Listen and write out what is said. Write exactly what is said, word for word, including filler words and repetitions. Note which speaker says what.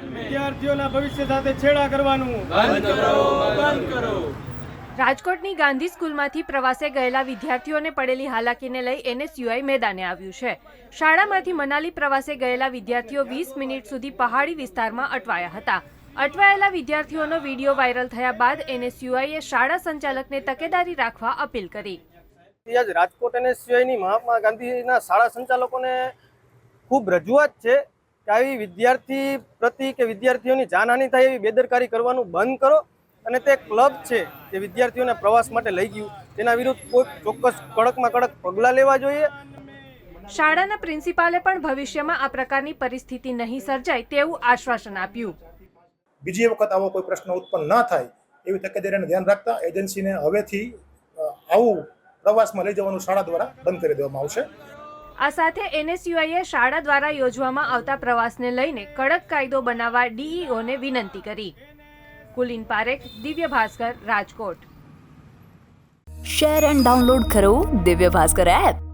Speaker 1: વિદ્યાર્થીઓના ભવિષ્ય સાથે છેડા કરવાનું બંધ કરો બંધ કરો।
Speaker 2: રાજકોટની ગાંધી સ્કૂલમાંથી પ્રવાસે ગયેલા વિદ્યાર્થીઓને પડેલી હાલાકીને લઈ એનએસયુઆઈ મેદાને આવ્યું છે। શાળામાંથી મનાલી પ્રવાસે ગયેલા વિદ્યાર્થીઓ વીસ મિનિટ સુધી પહાડી વિસ્તારમાં અટવાયા હતા। અટવાયેલા વિદ્યાર્થીઓનો વિડીયો વાયરલ થયા બાદ એનએસયુઆઈએ શાળા સંચાલકને તકેદારી રાખવા અપીલ કરી।
Speaker 1: આજ રાજકોટ એનએસયુઆઈની મહાત્મા ગાંધીના શાળા સંચાલકોને ખૂબ રજૂઆત છે કે આવી વિદ્યાર્થી પ્રતિ કે વિદ્યાર્થીઓની જાનહાનિ થાય એવી બેદરકારી કરવાનું બંધ કરો અને તે ક્લબ છે જે વિદ્યાર્થીઓને પ્રવાસ માટે લઈ ગયું તેના વિરુદ્ધ કોઈ ચોક્કસ કડકમાં કડક પગલાં લેવા જોઈએ।
Speaker 2: શાળાના પ્રિન્સિપાલે પણ ભવિષ્યમાં આ પ્રકારની પરિસ્થિતિ નહીં સર્જાય તેવું આશ્વાસન આપ્યું।
Speaker 3: બીજી વખત આવો કોઈ પ્રશ્ન ઉત્પન્ન ન થાય એવી તકેદારીને ધ્યાન રાખતા એજન્સીને હવેથી આવું પ્રવાસમાં લઈ જવાનું શાળા દ્વારા બંધ કરી દેવામાં આવશે।
Speaker 2: આ સાથે એનએસયુઆઈએ શાળા દ્વારા યોજવામાં આવતા પ્રવાસને લઈને કડક કાયદો બનાવવા ડીઈઓને વિનંતી કરી। Kulin Parekh, Divya Bhaskar, Rajkot.
Speaker 4: Share and download કરો દિવ્ય ભાસ્કર એપ।